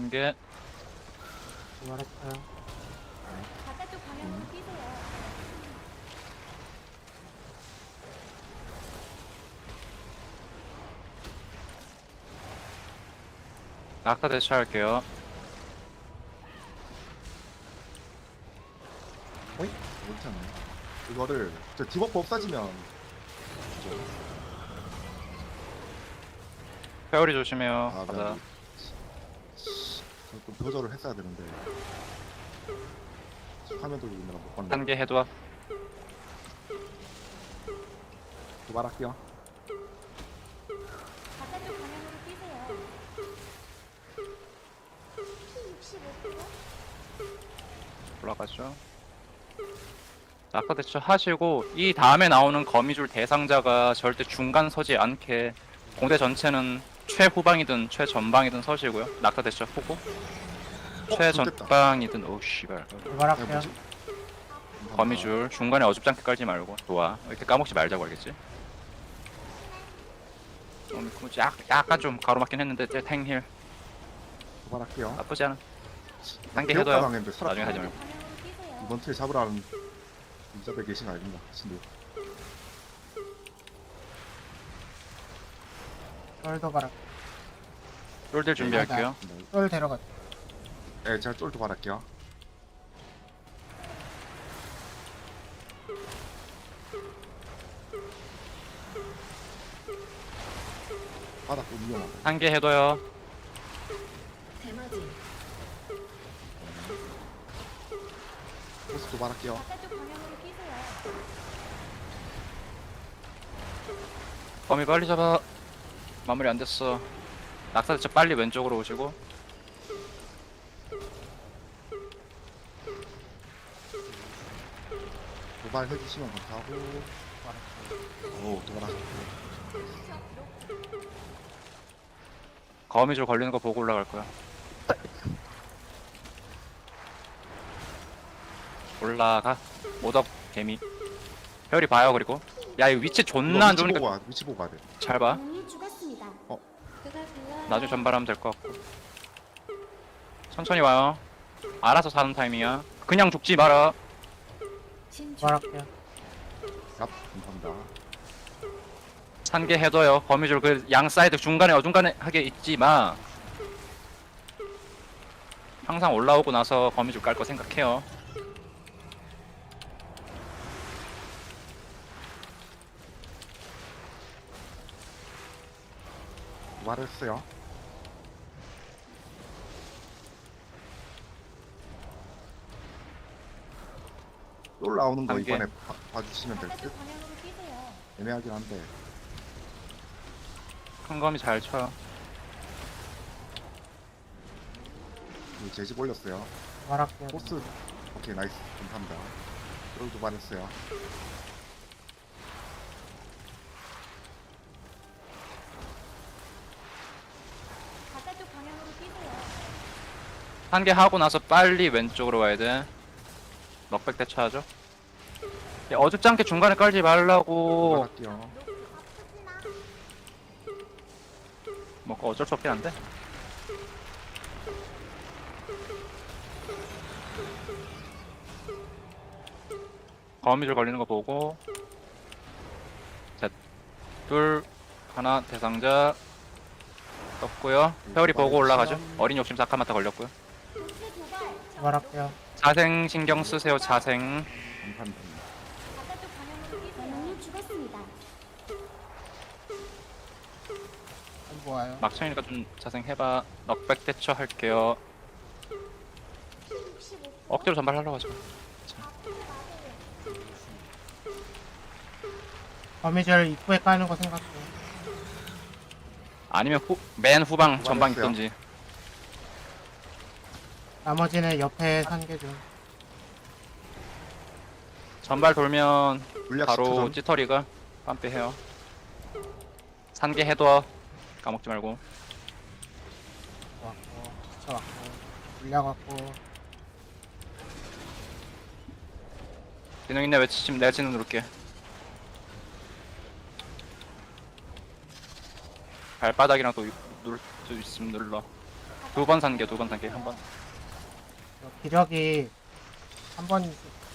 단계 말했어요. 바깥쪽 방향으로 뛰세요. 낙타 대처할게요. 어이? 그렇지 않네. 이거를 저 디버프 없어지면 페어리 조심해요. 아, 바다. 좀 표절을 했어야 되는데 화면 돌리느라 못 봤네. 단계 해도 도발할게요. 바깥쪽 방향으로 뛰세요. P65%? 올라가죠. 낙타 대처 하시고 이 다음에 나오는 거미줄 대상자가 절대 중간 서지 않게 공대 전체는 최후방이든 최전방이든 서시고요. 낙타 대처 후고 최전방이든 오 씨발 말할게요. 뭐지? 거미줄 중간에 어줍잖게 깔지 말고 좋아. 이렇게 까먹지 말자고 알겠지? 약간 좀 가로막긴 했는데 탱힐 도발할게요. 나쁘지 않아. 단계 배고파 해둬요. 당했는데 살았다. 나중에 하지 말고. 방향으로 뛰세요. 이번 틀 잡으라는 인자들 계신 거 아닙니다. 신도. 쫄도 가라. 쫄들 준비할게요. 쫄 데려가. 네, 제가 쫄 도발할게요. 바닥 좀 위험하다. 단계 해둬요. 대마지. 보스 도발할게요. 바깥쪽 방향으로 뛰세요. 거미 빨리 잡아. 마무리 안 됐어. 낙사 대처 빨리 왼쪽으로 오시고. 도발해주시면 감사하고. 오, 도발하셨고. 거미줄 걸리는 거 보고 올라갈 거야. 올라가. 모덕 개미. 별이 봐요 그리고. 야 이거 위치 존나 안 위치 보고 좋으니까 와, 위치 보고 가야 돼. 잘 봐. 공이 죽었습니다. 어. 나중에 전발하면 될 것 같고. 천천히 와요. 알아서 사는 타이밍이야. 그냥 죽지 마라. 진주. 말할게요. 얍, 감사합니다. 산개 해둬요. 거미줄 그 양 사이드 중간에 어중간하게 있지 마. 항상 올라오고 나서 거미줄 깔 거 생각해요. 도발했어요. 쫄 나오는 거 단계. 이번에 봐주시면 될 듯? 바깥쪽 방향으로 뛰세요. 애매하긴 한데. 큰 거미 잘 쳐요. 그 제집 올렸어요. 말할게요. 보스. 오케이, 나이스. 감사합니다. 쫄 도발했어요. 바깥쪽 방향으로 뛰세요. 한 개 하고 나서 빨리 왼쪽으로 와야 돼. 넉백 대처하죠. 야, 어줍지 않게 중간에 깔지 말라고. 도발할게요. 뭐 그거 어쩔 수 없긴 한데. 거미줄 걸리는 거 보고. 셋, 둘, 하나 대상자 떴고요. 회오리 보고 올라가죠. 어린 욕심 사카마타 걸렸고요. 도체 도발. 말할게요. 자생 신경 쓰세요. 자생. 감사합니다. 바깥쪽 방향으로 뛰세요. 공이 죽었습니다. 쫄 와요. 막창이니까 좀 자생 해봐. 넉백 대처 할게요. P65%? 억지로 전발하려고 하지 마. 거미줄 입구에 까는 거 생각해. 아니면 맨 후방 전방 있던지. 나머지는 옆에 산개 좀. 전발 돌면 물약 바로 10초 전. 찌터리가 빰빼해요. 산개 해둬. 까먹지 말고. 왔고, 지쳐왔고, 물려갖고. 기능 있네. 외치면 내가 지능 누를게. 발바닥이랑 또 누를 수 있으면 눌러. 두 번 산개, 두 번 산개, 한 번. 기력이 한 번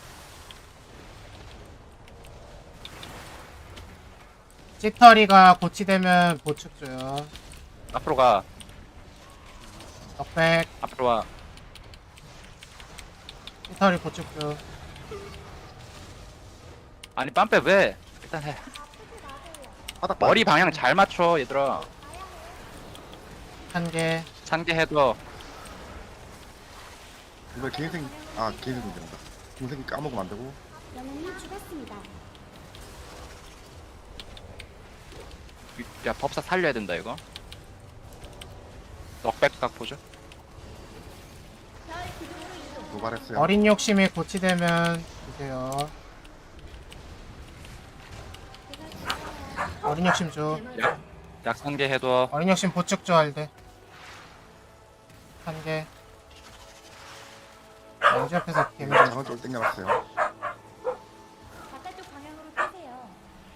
찌터리가 고치되면 보축 줘요. 앞으로 가, 넉백 앞으로 와. 찌터리 보축 줘. 아니 빰빼 왜? 일단 해. 바닥 머리 방향 잘 맞춰 얘들아. 한 개. 산개 해도 이거 개인생 개인생 된다. 동생이 까먹으면 안 되고. 영웅이 죽었습니다. 야 법사 살려야 된다 이거. 넉백각 보죠. 별 기둥으로 이동. 도발했어요. 어린 욕심이 고치되면 주세요. 어린 욕심 줘. 약 산개 해도 어린 욕심 보축 줘 할대. 한 개. 왼쪽 옆에서 개미. 장을 좀 땡겨놨어요. 바깥쪽 방향으로 뛰세요.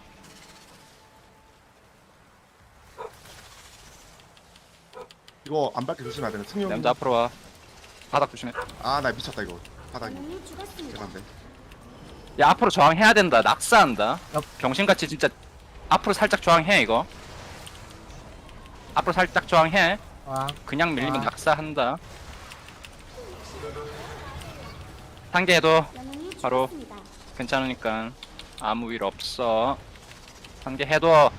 이거 안 밟게 조심해야 되는 승용. 냄새 앞으로 와. 바닥 조심해. 아나 미쳤다 이거. 바닥이. 영웅이 죽었습니다. 죄송한데. 야 앞으로 저항해야 된다. 낙사한다. 옆. 병신같이 진짜 앞으로 살짝 저항해 이거. 앞으로 살짝 저항해. 와. 그냥 밀리면 아. 낙사한다. 산개 해도 영웅이 바로. 죽었습니다. 괜찮으니까 아무 일 없어. 산개 해도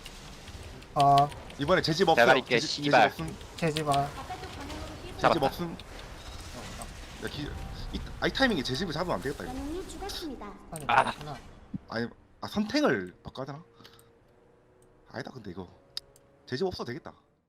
이번에 제집 없어요. 대가리 깨, 제집 씨발. 없음. 제집어. 바깥쪽 방향으로 뛰세요. 잡았다. 제집 없음. 야, 이 타이밍에 제집을 잡으면 안 되겠다 이거. 영웅이 죽었습니다. 아. 아니 선택을 바꿔야 되나? 아니다 근데 이거 제집 없어도 되겠다.